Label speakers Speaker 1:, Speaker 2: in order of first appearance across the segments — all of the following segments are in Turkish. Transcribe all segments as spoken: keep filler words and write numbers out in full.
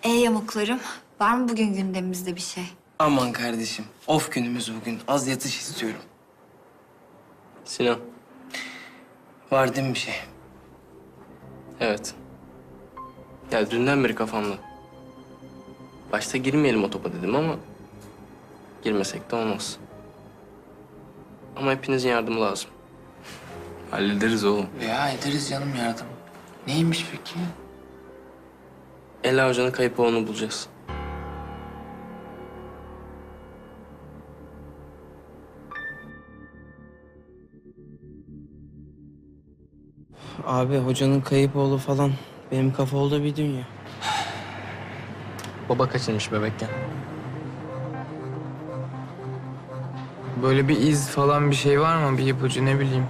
Speaker 1: E yamuklarım, var mı bugün gündemimizde bir şey?
Speaker 2: Aman kardeşim, of günümüz bugün. Az yatış istiyorum. Sinan. Var değil mi bir şey? Evet. Ya dünden beri kafamda. Başta girmeyelim o topa dedim ama... girmesek de olmaz. Ama hepinizin yardımı lazım.
Speaker 3: Hallederiz oğlum.
Speaker 2: Ya ederiz canım yardım. Neymiş peki? Ela Hoca'nın kayıp oğlunu bulacağız.
Speaker 4: Abi hocanın kayıp oğlu falan benim kafa oldu bir dünya.
Speaker 2: Baba kaçırmış bebekken.
Speaker 3: Böyle bir iz falan bir şey var mı? Bir ipucu ne bileyim.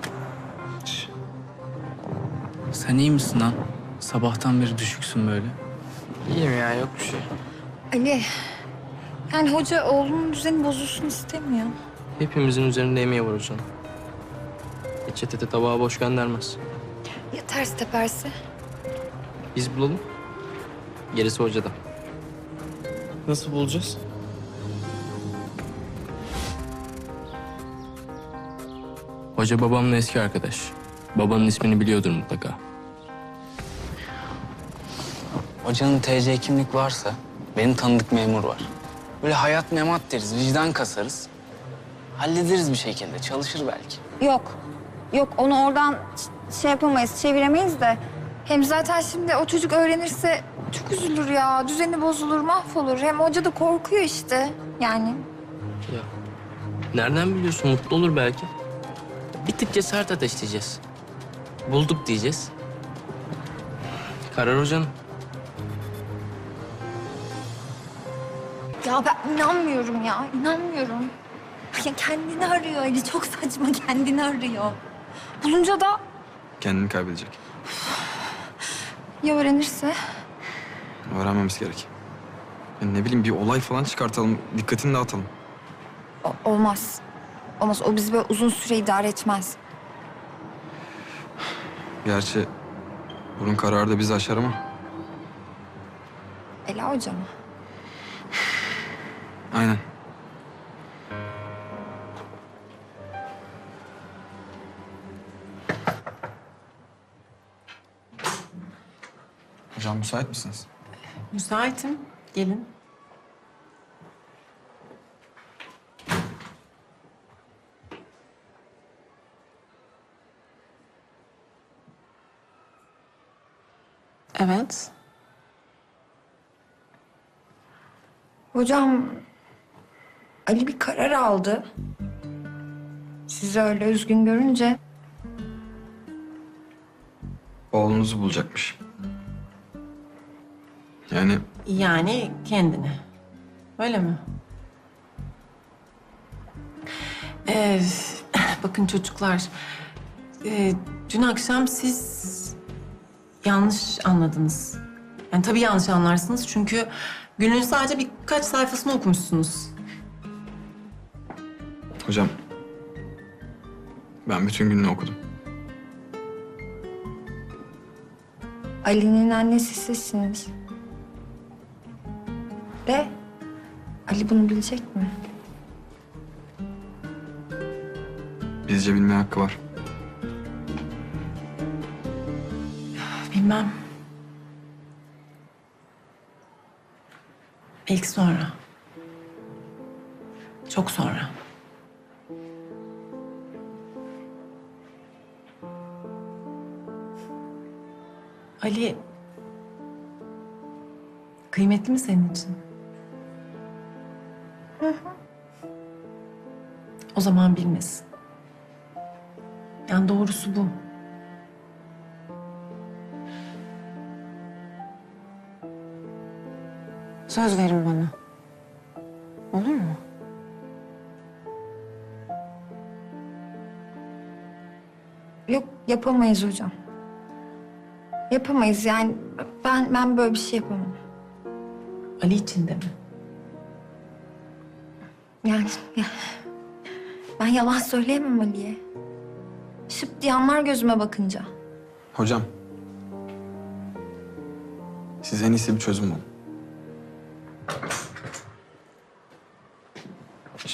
Speaker 5: Sen iyi misin lan? Sabahtan beri düşüksün böyle.
Speaker 3: İyiyim ya, yok bir şey.
Speaker 1: Ali, yani hoca oğlunun düzeni bozulsun istemiyor.
Speaker 2: Hepimizin üzerinde emeği var hocam. Hiç çetete tabağı boş göndermez.
Speaker 1: Ya ters teperse?
Speaker 2: Biz bulalım. Gerisi hocada.
Speaker 4: Nasıl bulacağız?
Speaker 5: Hoca babamla eski arkadaş. Babanın ismini biliyordur mutlaka. Hocanın T C kimlik varsa benim tanıdık memur var. Böyle hayat memat deriz, vicdan kasarız. Hallederiz bir şekilde, çalışır belki.
Speaker 1: Yok. Yok, onu oradan ç- şey yapamayız, çeviremeyiz de. Hem zaten şimdi o çocuk öğrenirse çok üzülür ya. Düzeni bozulur, mahvolur. Hem hoca da korkuyor işte. Yani
Speaker 2: Ya nereden biliyorsun? Mutlu olur belki. Bir tık cesaret ateşleyeceğiz. Bulduk diyeceğiz. Karar hocanın.
Speaker 1: ya ben inanmıyorum ya, inanmıyorum. Ya kendini arıyor Ali, çok saçma, kendini arıyor. Bulunca da
Speaker 6: Kendini kaybedecek.
Speaker 1: ya öğrenirse?
Speaker 6: Öğrenmemiz gerek. Yani ne bileyim bir olay falan çıkartalım, dikkatini dağıtalım.
Speaker 1: O- olmaz. Olmaz, o bizi böyle uzun süre idare etmez.
Speaker 6: Gerçi bunun kararı da bizi aşar ama.
Speaker 1: Ela Hoca mı?
Speaker 6: Aynen. Hocam müsait misiniz?
Speaker 7: Müsaitim. Gelin. Evet.
Speaker 1: Hocam, Ali bir karar aldı. Sizi öyle üzgün görünce
Speaker 6: Oğlunuzu bulacakmış. Yani
Speaker 7: Yani kendini. Öyle mi? Ee, bakın çocuklar. ee, dün akşam siz yanlış anladınız. Yani tabii yanlış anlarsınız çünkü günün sadece birkaç sayfasını okumuşsunuz.
Speaker 6: hocam ben bütün gününü okudum.
Speaker 1: Ali'nin annesi sizsiniz. De Ali bunu bilecek mi?
Speaker 6: Bizce bilmeye hakkı var.
Speaker 7: Bilmem. Belki sonra. Çok sonra. Ali... kıymetli mi senin için? Hı hı. O zaman bilmesin. Yani doğrusu bu.
Speaker 8: Söz verin bana. Olur mu?
Speaker 1: Yok, yapamayız hocam. Yapamayız yani, ben ben böyle bir şey yapamam.
Speaker 7: Ali için de mi?
Speaker 1: Yani ya, ben yalan söyleyemem Ali'ye. Şıp diye anlar gözüme bakınca.
Speaker 6: Hocam siz en iyisi bir çözüm bulun.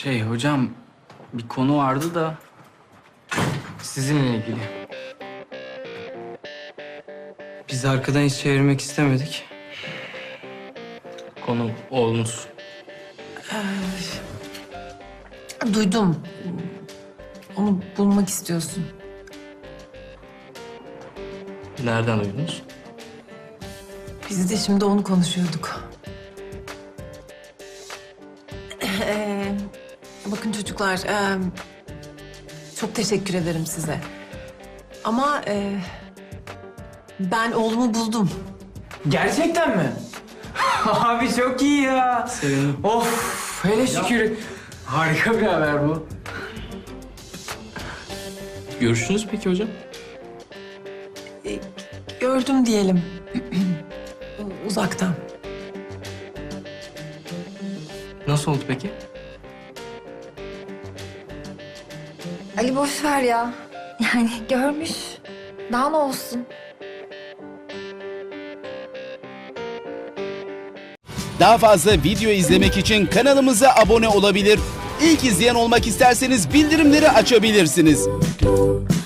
Speaker 5: Şey hocam, bir konu vardı da...
Speaker 3: Sizinle ilgili.
Speaker 4: Biz arkadan hiç çevirmek istemedik.
Speaker 2: Konu oğlunuz.
Speaker 7: Duydum. Onu bulmak istiyorsun.
Speaker 2: Nereden duydunuz?
Speaker 7: Biz de şimdi onu konuşuyorduk. Ee, bakın çocuklar, e, çok teşekkür ederim size. Ama e, ben oğlumu buldum.
Speaker 3: Gerçekten mi? Abi çok iyi ya.
Speaker 5: Sevindim.
Speaker 3: Of hele şükür. Harika bir haber bu.
Speaker 2: Görüştünüz peki hocam?
Speaker 7: E, gördüm diyelim. Uzaktan.
Speaker 2: Nasıl oldu peki?
Speaker 1: Ali boş ver ya. Yani görmüş. Daha ne olsun?
Speaker 9: Daha fazla video izlemek için kanalımıza abone olabilir. İlk izleyen olmak isterseniz bildirimleri açabilirsiniz.